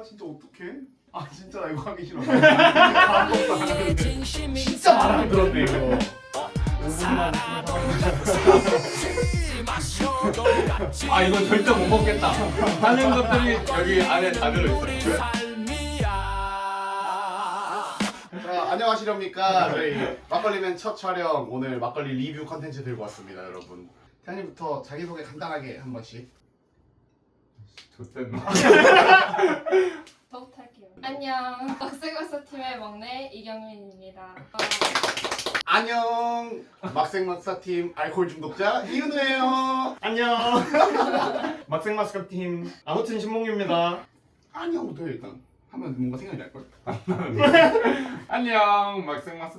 진짜 어떡해? 아 진짜 나 이거 하기 싫어. 아무것도 안 하는데. 진짜 말 안 들었네 이거. 5분만 아 이건 절대 못 먹겠다. 하는 것들이 여기 안에 다 들어있어요. 자 안녕하시렵니까. 저희 막걸리맨 첫 촬영 오늘 막걸리 리뷰 컨텐츠 들고 왔습니다 여러분. 태양님부터 자기소개 간단하게 한 번씩. 좋댔나? 저부터 할게요. 안녕, 박세걸스 팀의 막내 이경민입니다. 안녕 막생막사팀 알코올 중독자 이은우예요. 안녕. 막생마스크 팀 아무튼 신몽규입니다. 안녕부터 해 일단 하면 뭔가 생각이 날걸. 안녕 막생마스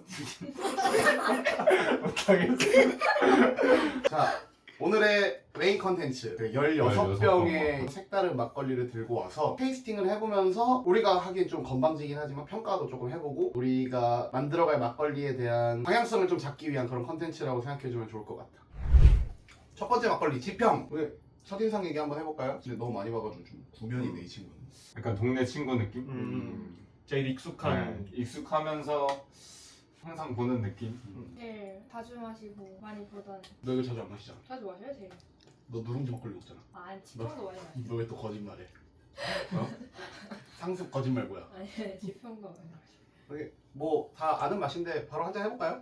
못하겠어. 자 오늘의 메인 컨텐츠 16병의 색다른 막걸리를 들고 와서 테이스팅을 해보면서 우리가 하기엔 좀 건방지긴 하지만 평가도 조금 해보고 우리가 만들어갈 막걸리에 대한 방향성을 좀 잡기 위한 그런 컨텐츠라고 생각해주면 좋을 것 같아. 첫 번째 막걸리 지평. 우리 첫인상 얘기 한번 해볼까요? 근데 너무 많이 봐가지고 좀 구면이네 이 친구는. 약간 동네 친구 느낌? 제일 익숙한. 네, 익숙하면서 항상 보는 느낌? 제일 자주 마시고 많이 보던. 너 이거 자주 안 마시잖아. 자주 마셔요, 제일. 너 누룽지 막걸리 먹잖아. 아, 지평도 많이 마셔요. 너 왜 또 거짓말해? 어? 상습 거짓말 뭐야? 아니, 지평도 많이 마셔요. 뭐 다 아는 맛인데 바로 한잔 해볼까요?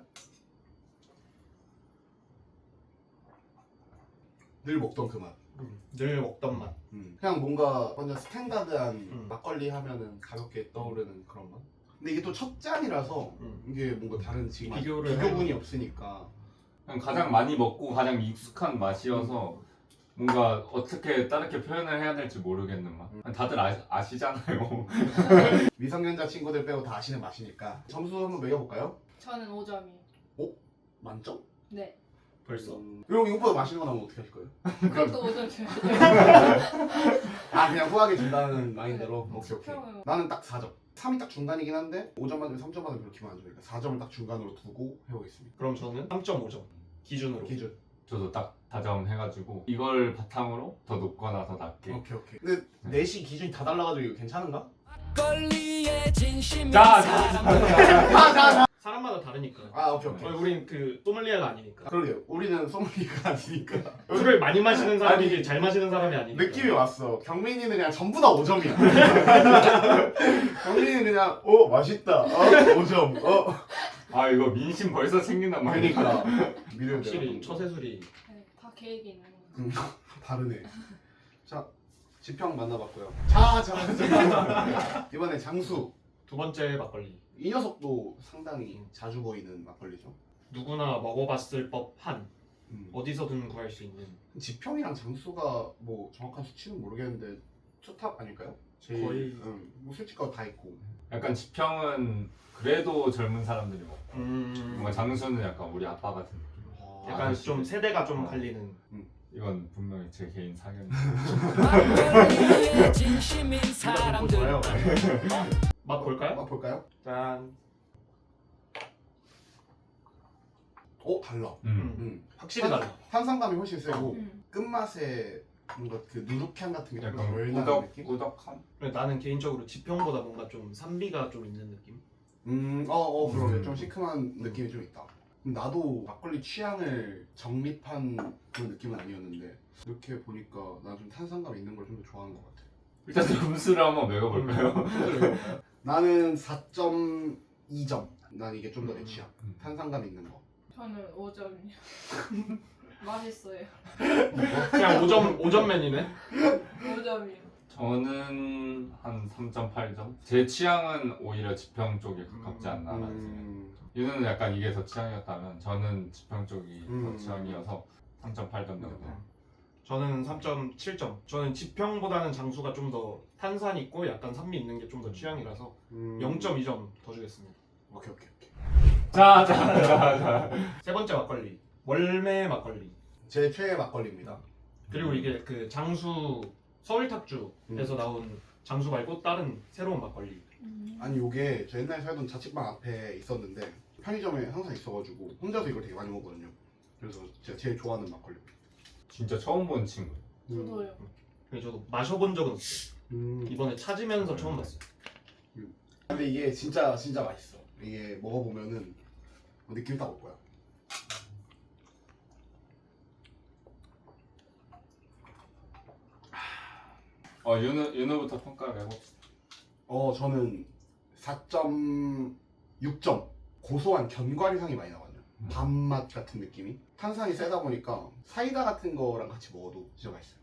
늘 먹던 그 맛. 늘 먹던 맛. 그냥 뭔가 완전 스탠다드한 막걸리 하면은 가볍게 떠오르는 그런 맛. 근데 이게 또 첫 잔이라서 이게 뭔가 다른 지금 비교군이 없으니까. 그냥 가장 많이 먹고 가장 익숙한 맛이어서 뭔가 어떻게 다르게 표현을 해야 될지 모르겠는 맛. 다들 아시잖아요. 미성년자 친구들 빼고 다 아시는 맛이니까 점수 한번 매겨볼까요? 저는 5점이요. 만점? 네. 벌써. 형 이거보다 맛있는 거 나오면 어떻게 하실 거예요? 그것도 5점 줘요. 아 그냥 후하게 준다는 마인드로? 네. 오케이. 지평은 나는 딱 4점. 3이 딱 중간이긴 한데 5점 만점에 3점 만점 그렇게 안 주니까 4점을 딱 중간으로 두고 해보겠습니다. 그럼 저는 3.5점 기준으로. 기준. 저도 딱 다정해가지고 이걸 바탕으로 더 높거나 더 낮게. 오케이. 근데 넷이 기준이 다 달라가지고 이거 괜찮은가? 자, 사람마다 다르니까. 아 오케이. 우린 그 소믈리에가 아니니까. 그러게요. 우리는 소믈리가 아니니까 술을 많이 마시는 사람이지 아니, 잘 마시는 사람이 아니니까. 느낌이 왔어. 경민이는 그냥 전부 다 5점이야. 경민이는 그냥 맛있다. 5점. 아 이거 민심 벌써 생긴단 말이야. 그러니까 미래를 확실히 처세술이. 네, 다 계획이 있는 거. 다르네. 자 지평 만나봤고요. 자 이번에 장수. 두 번째 막걸리. 이 녀석도 상당히 자주 보이는 막걸리죠. 누구나 먹어봤을 법한 어디서든 구할 수 있는. 지평이랑 장수가 뭐 정확한 수치는 모르겠는데 투탑 아닐까요? 제일, 거의. 뭐 솔직하고 다 있고. 약간 지평은 그래도 젊은 사람들이 먹고 뭔가 장수는 약간 우리 아빠 같은 느낌. 약간 아저씨들. 좀 세대가 좀 갈리는. 이건 분명히 제 개인 사견. 좋아요. 맛 볼까요? 맛 볼까요? 짠. 달라. 확실히 달라. 탄산감이 훨씬 세고 음. 끝맛에 뭔가 그 누룩향 같은 게 약간 덜 나는 느낌? 꾸덕한. 나는 개인적으로 지평보다 뭔가 좀 산미가 좀 있는 느낌? 그러네. 좀 시큼한 느낌이 좀 있다. 나도 막걸리 취향을 정립한 그런 느낌은 아니었는데 이렇게 보니까 나 좀 탄산감 있는 걸 좀 더 좋아하는 것 같아. 일단 점수를 한번 매겨볼까요? 나는 4.2점. 난 이게 좀 더 내 취향. 탄산감 있는 거. 저는 5점이요. 맛있어요. 그냥 5점맨이네? 5점이요. 저는 한 3.8점. 제 취향은 오히려 지평 쪽에 가깝지 않나라는 생각. 유는 약간 이게 더 취향이었다면 저는 지평 쪽이 더 취향이어서 3.8점 정도. 저는 3.7점. 저는 지평보다는 장수가 좀 더 탄산 있고 약간 산미 있는 게 좀 더 취향이라서 0.2점 더 주겠습니다. 오케이. 자. 세 번째 막걸리. 월매 막걸리. 제 최애 막걸리입니다. 그리고 이게 그 장수 서울탁주에서 나온 장수 말고 다른 새로운 막걸리. 아니 요게 저 옛날에 살던 자취방 앞에 있었는데 편의점에 항상 있어가지고 혼자서 이걸 되게 많이 먹거든요. 그래서 제가 제일 좋아하는 막걸리. 진짜 처음 본 친구. 저도요. 저도 마셔본 적은 없어요. 이번에 찾으면서 처음 봤어요. 근데 이게 진짜 맛있어. 이게 먹어보면은 느낌 딱 올 거야. 윤우부터 평가를 해봅시다. 저는 4.6점. 고소한 견과류향이 많이 나거든요. 밥맛 같은 느낌이. 탄산이 세다 보니까 사이다 같은 거랑 같이 먹어도 진짜 맛있어요.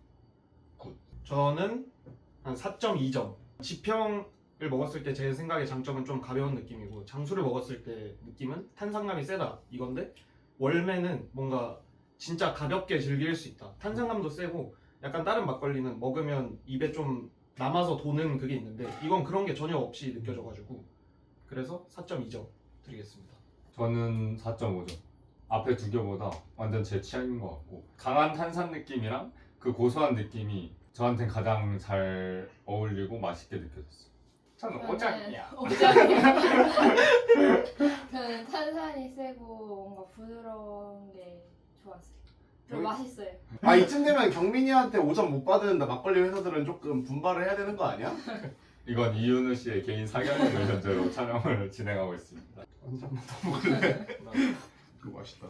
저는 한 4.2점. 지평을 먹었을 때 제 생각에 장점은 좀 가벼운 느낌이고 장수를 먹었을 때 느낌은 탄산감이 세다 이건데 월매는 뭔가 진짜 가볍게 즐길 수 있다. 탄산감도 세고 약간 다른 막걸리는 먹으면 입에 좀 남아서 도는 그게 있는데 이건 그런 게 전혀 없이 느껴져가지고 그래서 4.2점 드리겠습니다. 저는 4.5점. 앞에 두 개보다 완전 제 취향인 것 같고 강한 탄산 느낌이랑 그 고소한 느낌이 저한텐 가장 잘 어울리고 맛있게 느껴졌어요. 저는 오장이야. 오장이야. 저는 탄산이 세고 뭔가 부드러운 게 좋았어요. 좀 맛있어요. 이쯤 되면 경민이한테 5점 못 받은 막걸리 회사들은 조금 분발을 해야 되는 거 아니야? 이건 이윤우 씨의 개인 사견을 현재로 촬영을 진행하고 있습니다. 한 잔만 더 먹을래? 그거 맛있다.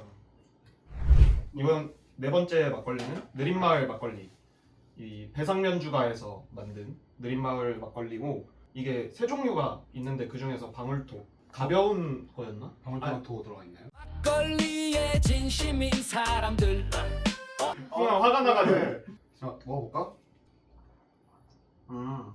이번 네 번째 막걸리는 느린마을 막걸리. 이 배상면주가에서 만든 느린마을 막걸리고 이게 세 종류가 있는데 그 중에서 방울토 가벼운 거였나? 방울토마토 들어가 있나요? 막걸리에 진심인 사람들 그냥 화가 나가지고. 자, 먹어볼까? 음.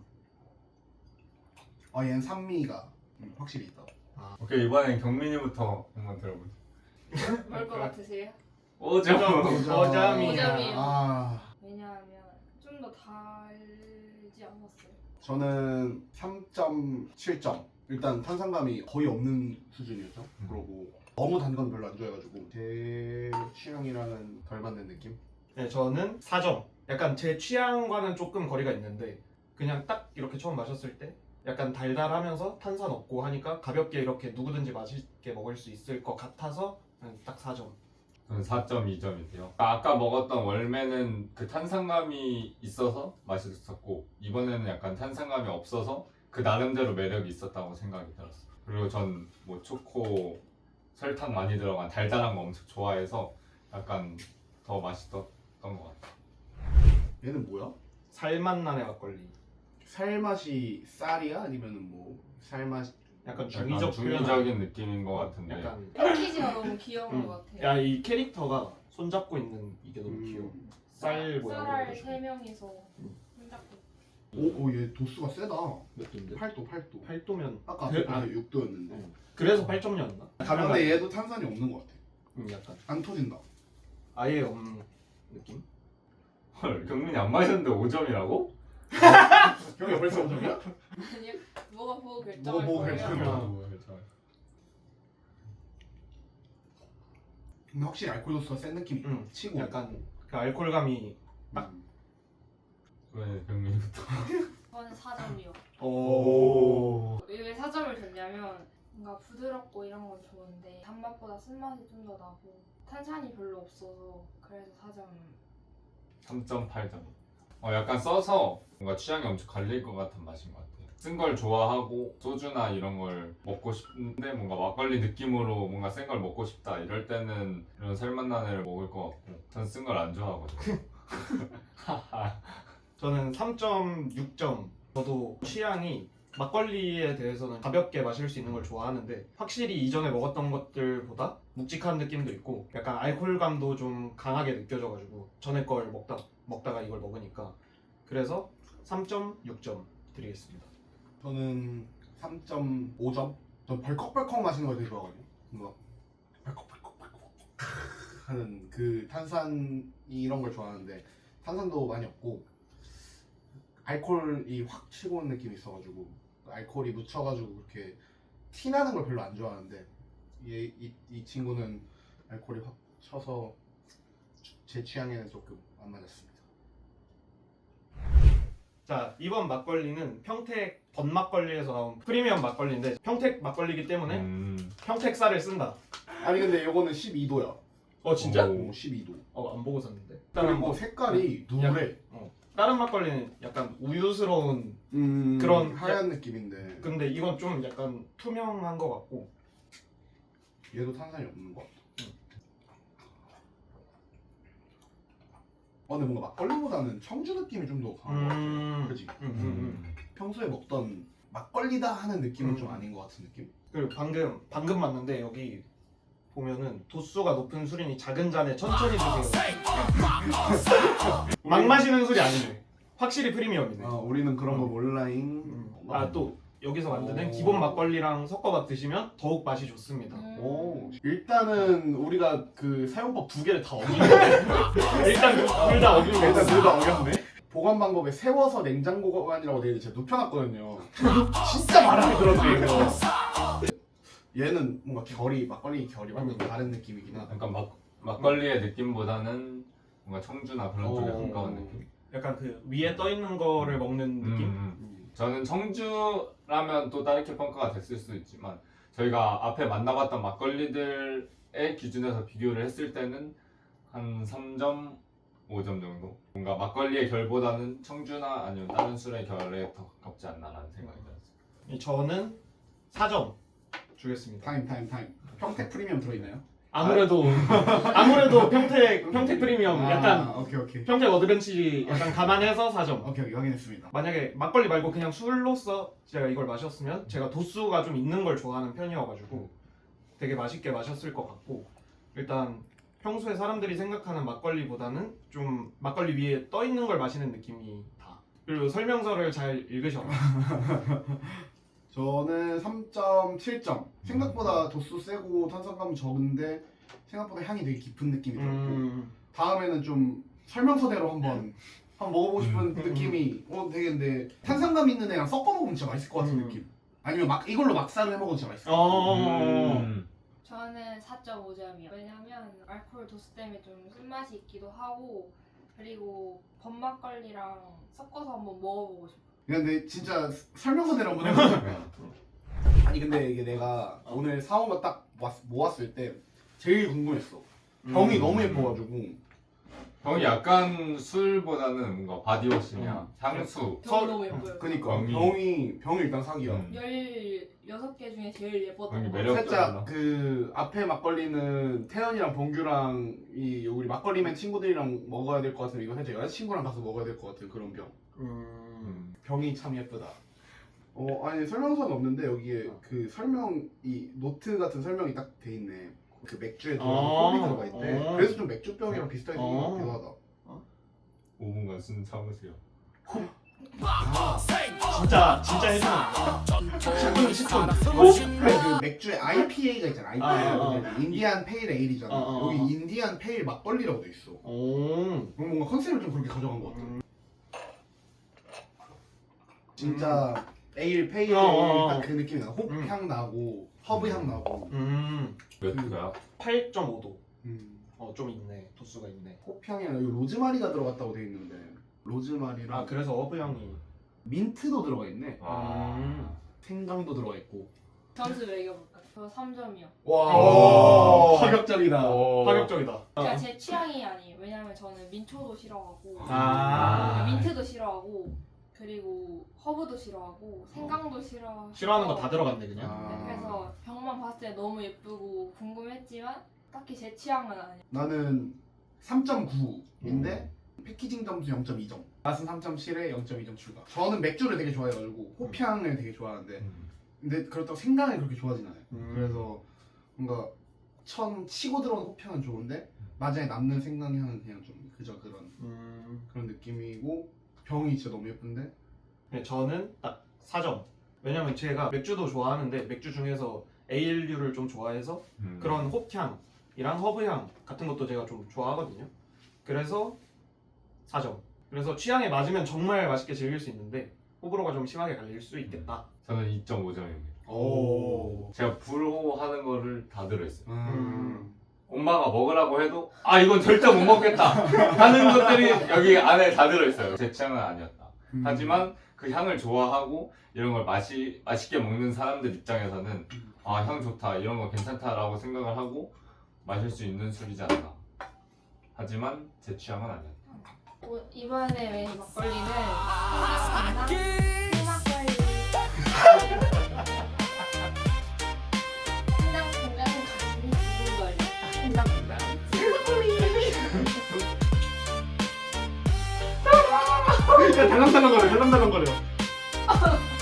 얘는 산미가 확실히 있다. 오케이, 이번엔 경민이부터 한번 들어보죠. 뭘 것 같으세요? 5점. 오점이야. 왜냐하면 좀 더 달지 않았어요. 저는 3.7점. 일단 탄산감이 거의 없는 수준이었죠. 그러고 너무 단 건 별로 안 좋아해가지고 제 취향이랑은 덜 맞는 느낌? 네, 저는 4점. 약간 제 취향과는 조금 거리가 있는데 그냥 딱 이렇게 처음 마셨을 때 약간 달달하면서 탄산 없고 하니까 가볍게 이렇게 누구든지 맛있게 먹을 수 있을 것 같아서 딱 4점. 저는 4.2점인데요. 아까 먹었던 월매는 그 탄산감이 있어서 맛있었고 이번에는 약간 탄산감이 없어서 그 나름대로 매력이 있었다고 생각이 들었어요. 그리고 전 뭐 초코, 설탕 많이 들어간 달달한 거 엄청 좋아해서 약간 더 맛있었던 것 같아요. 얘는 뭐야? 살맛 나네 막걸리. 살맛이 쌀이야? 아니면은 뭐 살맛? 약간 약간 중의적 중의적인 느낌인 것 같은데 약간 패키지가 너무 귀여운 것 같아요. 야 이 캐릭터가 손잡고 있는 이게 너무 귀여워. 쌀 모양으로 쌀알 해가지고. 3명이서 음. 손잡고. 얘 도수가 세다. 몇 도인데? 8도. 8도면 아까 그- 앞에 6도였는데. 그래서 8점이었나? 근데 얘도 탄산이 없는 것 같아. 약간 안 터진다. 아예 없는 느낌? 헐, 경민이 안 마셨는데 5점이라고? 형이 벌써 5점이야? 아니요. 뭐가 보고 결정할 보고 거예요. 결정할 근데 확실히 알코올 도수가 센 느낌이 치고. 약간 그 알코올감이 왜 경민이부터? 저는 4점이요. 오. 왜 4점을 줬냐면 뭔가 부드럽고 이런 건 좋은데 단맛보다 쓴맛이 좀 더 나고 탄산이 별로 없어서 그래서 4점. 3.8점. 약간 써서 뭔가 취향이 엄청 갈릴 것 같은 맛인 것 같아요. 쓴 걸 좋아하고 소주나 이런 걸 먹고 싶은데 뭔가 막걸리 느낌으로 뭔가 센 걸 먹고 싶다 이럴 때는 이런 살맛난 애를 먹을 것 같고 전 쓴 걸 안 좋아하거든요. 저는 3.6점. 저도 취향이 막걸리에 대해서는 가볍게 마실 수 있는 걸 좋아하는데 확실히 이전에 먹었던 것들보다 묵직한 느낌도 있고 약간 알코올감도 좀 강하게 느껴져가지고 전에 걸 먹다가 이걸 먹으니까 그래서 3.6점 드리겠습니다. 저는 3.5점? 저 벌컥벌컥 마시는 걸 되게 좋아하거든요. 뭔가 벌컥벌컥 하는 그 탄산 이런 걸 좋아하는데 탄산도 많이 없고 알코올이 확 치고 오는 느낌이 있어가지고 알코올이 묻혀가지고 그렇게 티 나는 걸 별로 안 좋아하는데 이 친구는 알코올이 확 쳐서 제 취향에는 조금 안 맞았습니다. 자, 이번 막걸리는 평택 번막걸리에서 나온 프리미엄 막걸리인데 평택 막걸리이기 때문에 평택 쌀을 쓴다. 아니 근데 이거는 12도야. 진짜? 오. 12도. 안 보고 샀는데. 그리고 색깔이 누래. 다른 막걸리는 약간 우유스러운 그런 그런 하얀 느낌인데 근데 이건 좀 약간 투명한 것 같고 얘도 탄산이 없는 것 같아. 근데 뭔가 막걸리보다는 청주 느낌이 좀 더 강한 것 같아. 그지? 평소에 먹던 막걸리다 하는 느낌은 좀 아닌 것 같은 느낌? 그리고 방금 맞는데 여기 보면은 도수가 높은 술이니 작은 잔에 천천히 드세요. 막 마시는 술이 아니네. 확실히 프리미엄이네. 우리는 그런 거 몰라잉. 아 또 여기서 만드는 기본 막걸리랑 섞어서 드시면 더욱 맛이 좋습니다. 오, 일단은 우리가 그 사용법 두 개를 다 어기네. 일단 둘 다 어기는 거 일단 둘 다 어겼네. 보관 방법에 세워서 냉장고 보관이라고 되어 있는데 제가 눕혀놨거든요. 진짜 말하기 들었네 이거. 얘는 뭔가 결이 막걸리 결이 완전 다른 느낌이긴 하다. 약간 막걸리의 느낌보다는 뭔가 청주나 그런 쪽에 어. 가까운 느낌. 약간 그 위에 떠 있는 거를 먹는 느낌? 저는 청주라면 또 다르게 평가가 됐을 수도 있지만 저희가 앞에 만나봤던 막걸리들의 기준에서 비교를 했을 때는 한 3.5점 정도. 뭔가 막걸리의 결보다는 청주나 아니면 다른 술의 결에 더 가깝지 않나라는 생각이 들었어요. 저는 4점 주겠습니다. 타임. 평택 프리미엄 들어있나요? 아무래도 평택 프리미엄 약간 오케이. 평택 어드벤치 약간 감안해서 4점. 오케이 확인했습니다. 만약에 막걸리 말고 그냥 술로서 제가 이걸 마셨으면 제가 도수가 좀 있는 걸 좋아하는 편이어가지고 되게 맛있게 마셨을 것 같고 일단 평소에 사람들이 생각하는 막걸리보다는 좀 막걸리 위에 떠 있는 걸 마시는 느낌이 다. 그리고 설명서를 잘 읽으셔라. 저는 3.7점. 생각보다 도수 세고 탄산감 적은데 생각보다 향이 되게 깊은 느낌이 들었고 다음에는 좀 설명서대로 한번 먹어보고 싶은 느낌이 되겠는데 탄산감 있는 애랑 섞어 먹으면 진짜 맛있을 것 같은 느낌. 아니면 이걸로 막살을 해먹어도 진짜 맛있을 것 같아. 저는 4.5점이요. 왜냐면 알코올 도수 때문에 좀 쓴맛이 있기도 하고 그리고 범막걸리랑 섞어서 한번 먹어보고 싶어요. 근데 진짜 설명서대로 한번 해보자. 아니 근데 이게 내가 오늘 사온 거 딱 모았을 때 제일 궁금했어. 병이 너무 예뻐가지고. 병이 약간 술보다는 뭔가 바디워시냐 향수. 병이 너무 예뻐요. 그니까 병이 일단 사기야. 16개 중에 제일 예뻤던 병이 거. 매력- 살짝 그 앞에 막걸리는 태연이랑 봉규랑 우리 막걸리맨 친구들이랑 먹어야 될 것 같은데 이거 살짝 여자친구랑 가서 먹어야 될 것 같은 그런 병. 병이 참 예쁘다. 아니 설명서는 없는데 여기에 그 이 노트 같은 설명이 딱 돼 있네. 그 맥주에 들어가는 form이 들어가 있대. 그래서 좀 맥주병이랑 비슷하게 생긴 것 같기도 하다. 5분간 숨 참으세요. 진짜 해주면 10분. 그 맥주에 IPA가 있잖아. IPA. 인디안 페일 에일이잖아. 어. 여기 인디안 페일 막걸리라고 돼 있어. 뭔가 컨셉을 좀 그렇게 가져간 것 같아. 진짜 에일 페일 딱 그 느낌이 나. 홉향 나고 허브 향 나고. 몇 도야? 8.5도. 좀 있네. 도수가 있네. 홉향이랑 여기 로즈마리가 들어갔다고 돼 있는데 로즈마리랑 아 그래서 어브 향이. 민트도 들어가 있네. 생강도 들어가 있고. 점수 매겨볼까요? 저 3점이요. 와 파격적이다. 파격적이다. 그러니까 제 취향이 아니에요. 왜냐면 저는 민초도 싫어하고 민트도 싫어하고 그리고 허브도 싫어하고 생강도 싫어하는 거 다 들어갔네 그냥. 네, 그래서 병만 봤을 때 너무 예쁘고 궁금했지만 딱히 제 취향은 아니에요. 나는 3.9인데 패키징 점수 0.2점. 맛은 3.7에 0.2점 추가. 저는 맥주를 되게 좋아해가지고 호피향을 되게 좋아하는데 근데 그렇다고 생강을 그렇게 좋아하진 않아요. 그래서 뭔가 치고 들어온 호피향은 좋은데 마지막에 남는 생강 향은 그냥 좀 그저 그런 느낌이고 병이 진짜 너무 예쁜데 네, 저는 딱 4점. 왜냐면 제가 맥주도 좋아하는데 맥주 중에서 에일류를 좀 좋아해서 그런 홉향이랑 허브향 같은 것도 제가 좀 좋아하거든요. 그래서 4점. 그래서 취향에 맞으면 정말 맛있게 즐길 수 있는데 호불호가 좀 심하게 갈릴 수 있겠다. 저는 2.5점입니다. 오. 제가 부러워하는 거를 다 들어있어요. 엄마가 먹으라고 해도 이건 절대 못 먹겠다 하는 것들이 여기 안에 다 들어있어요. 제 취향은 아니었다. 하지만 그 향을 좋아하고 이런 걸 맛있게 먹는 사람들 입장에서는 향 좋다 이런 거 괜찮다라고 생각을 하고 마실 수 있는 술이지 않나. 하지만 제 취향은 아니었다. 이번에 메인 막걸리는 생막걸리. 생강콩장 가슴이 두근거려. 야 달랑달랑거려.